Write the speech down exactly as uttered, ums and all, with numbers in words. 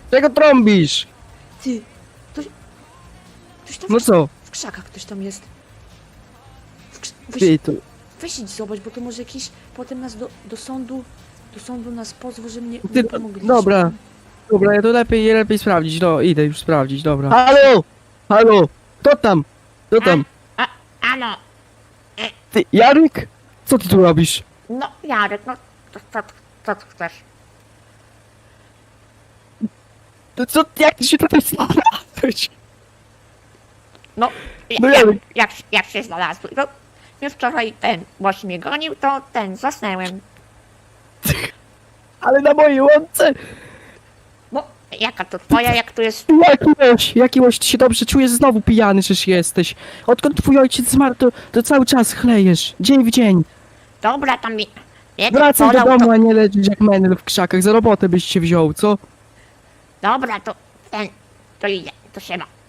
Czego trąbisz? Ty, ktoś... Ktoś tam No w, co? w krzakach ktoś tam jest. W krz... weź, Ty, to... weź idź zobacz, bo to może jakiś... Potem nas do, do sądu... Do sądu nas pozwą, że mnie Ty, nie pomogliśmy. dobra. Dobra, ja to lepiej, lepiej sprawdzić, no idę już sprawdzić, dobra. Halo! Halo! Kto tam? Kto tam? A, ano, Ty, Jarek? Co ty tu robisz? no Jarek, no co, co, co ty chcesz? To co, jak ty się tutaj znalazłeś? No, No jak, Jarek. jak, jak się znalazłeś? No, już wczoraj ten łoś mnie gonił, to ten, zasnęłem. Ale na mojej łące! No, jaka to twoja, jak tu jest... Jaki łoś, jaki łoś, ty się dobrze czujesz, znowu pijany przecież jesteś. Odkąd twój ojciec zmarł, to, to cały czas chlejesz, dzień w dzień. Dobra, tam mi... jeden Wracaj do polał, domu, a nie leżysz jak menel w krzakach, za robotę byś się wziął, co? To... Dobra, to ten... To idę, to się ma.